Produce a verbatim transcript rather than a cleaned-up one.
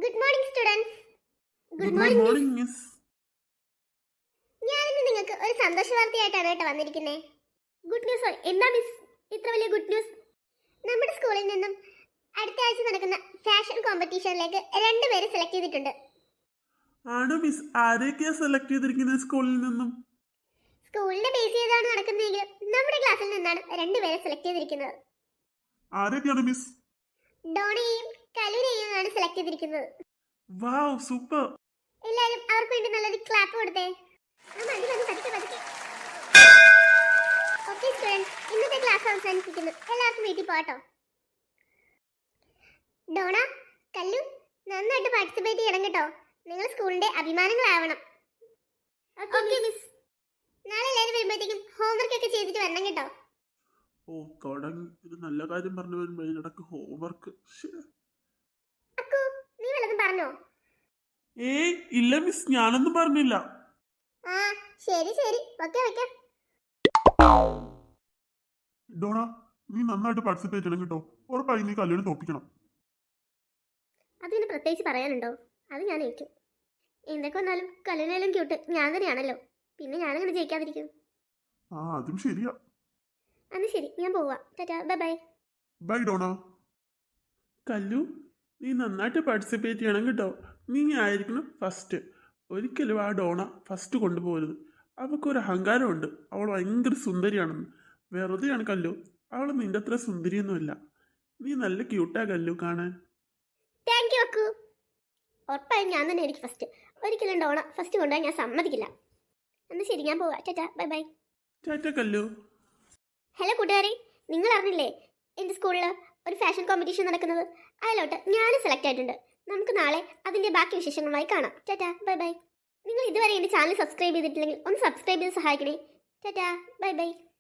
Good morning students. Good morning miss. ഞാനിന്ന് നിങ്ങൾക്ക് ഒരു സന്തോഷ വാർത്തയായിട്ടാണ് കേട്ടോ വന്നിരിക്കുന്നത്. Good news. എന്താ മിസ് ഇത്ര വലിയ ഗുഡ് ന്യൂസ്? നമ്മുടെ സ്കൂളിൽ നിന്നും അടുത്ത ആഴ്ച നടക്കുന്ന ഫാഷൻ കോമ്പറ്റീഷനിലേക്ക് രണ്ടുപേരെ സെലക്ട് ചെയ്തിട്ടുണ്ട്. ആണോ മിസ്? ആരെയൊക്കെയാ സെലക്ട് ചെയ്തിരിക്കുന്നത് സ്കൂളിൽ നിന്നും? സ്കൂളിന്റെ ബേസ് ചെയ്താണ് നടക്കുന്നതെങ്കിൽ നമ്മുടെ ക്ലാസ്സിൽ നിന്നാണ് രണ്ടുപേരെ സെലക്ട് ചെയ്തിരിക്കുന്നത്. ആരൊക്കെയാണ് മിസ്? ഡോണയെയും കലുനെയും ആണ് സെലക്ട് ചെയ്തിരിക്കുന്നത്. Wow, super. എല്ലാവരും അവർക്ക് വേണ്ടി നല്ലൊരു ക്ലാപ്പ് കൊടുത്തേ. ഓക്കെ സ്റ്റുഡൻസ്, ഇന്നത്തെ ക്ലാസ് അവസാനിപ്പിക്കുന്നു. എല്ലാവർക്കും വീട്ടിൽ പോകട്ടോ. ഡോണ, കല്ലു, നന്നായിട്ട് പാർട്ടിസിപ്പേറ്റ് ചെയ്യണം കേട്ടോ. നിങ്ങൾ സ്കൂളിന്റെ അഭിമാനങ്ങളാവണം. Okay miss. നാളെ എല്ലാവരും വരുമ്പോഴത്തേക്കും ഹോംവർക്ക് ഒക്കെ ചെയ്തിട്ട് വരണം കേട്ടോ. ഓ, തുടങ്ങി. ഒരു നല്ല കാര്യം പറഞ്ഞു വരുമ്പോൾ ഇതിനിടക്ക് ഹോംവർക്ക്. അക്കു, നീ വല്ലതും പറഞ്ഞോ? ഏയ് ഇല്ല മിസ്, ഞാനൊന്നും പറഞ്ഞില്ല. ആ ശരി ശരി, ഓക്കെ ഓക്കെ. ഡോണ, നീ നന്നായിട്ട് പാർട്ടിസിപ്പേറ്റ് ചെയ്യണം കേട്ടോ. ഉറപ്പായി നീ കല്യാണം തോപ്പിക്കണം. അതിന് പ്രത്യേകിച്ച് പറയാനുണ്ടോ? അത് ഞാൻ ഏറ്റു. എന്തൊക്കെ വന്നാലും കല്യാണം ക്യൂട്ട് ഞാൻ തന്നെയാണല്ലോ. പിന്നെ ഞാനങ്ങനെ ജയിക്കാതിരിക്കും. ആ അതും ശരിയാ. അന്ന് ശരി, ഞാൻ പോവാ. Tata, bye bye. Bye Dona. Kallu, നീ നന്നായിട്ട് പാർട്ടിസിപ്പേറ്റ് ചെയ്യണം കേട്ടോ. നീ ആയിരിക്കണം ഫസ്റ്റ്. ഒരിക്കലും ആ ഡോണ ഫസ്റ്റ് കൊണ്ടുപോകരുത്. അവൾക്കൊരു അഹങ്കാരമുണ്ട്. അവൾ ഭയങ്കര സുന്ദരിയാണെന്ന്. വെറുതെയാണ് കല്ലു. അവൾ നിന്റെ അത്ര സുന്ദരിയൊന്നുമില്ല. നീ നല്ല ക്യൂട്ടാ കല്ലു കാണാൻ. Thank you Akku. ഉറപ്പായും ഞാൻ തന്നെ ആയിരിക്കും ഫസ്റ്റ്. ഒരിക്കലും ഡോണ ഫസ്റ്റ് കൊണ്ടുപോയി ഞാൻ സമ്മതിക്കില്ല. അന്ന് ശരി, ഞാൻ പോവാ. Tata, bye bye. Tata Kallu. Hello കൂട്ടുകാരെ, നിങ്ങൾ അറിഞ്ഞില്ലേ എൻ്റെ സ്കൂളിൽ ഒരു ഫാഷൻ കോമ്പറ്റീഷൻ നടക്കുന്നത്? അതിലോട്ട് ഞാനും സെലക്ട് ആയിട്ടുണ്ട്. നമുക്ക് നാളെ അതിൻ്റെ ബാക്കി വിശേഷങ്ങളുമായി കാണാം. Tata, bye bye. നിങ്ങൾ ഇതുവരെ എൻ്റെ ചാനൽ സബ്സ്ക്രൈബ് ചെയ്തിട്ടില്ലെങ്കിൽ ഒന്ന് സബ്സ്ക്രൈബ് ചെയ്ത് സഹായിക്കണേ. Tata, bye by.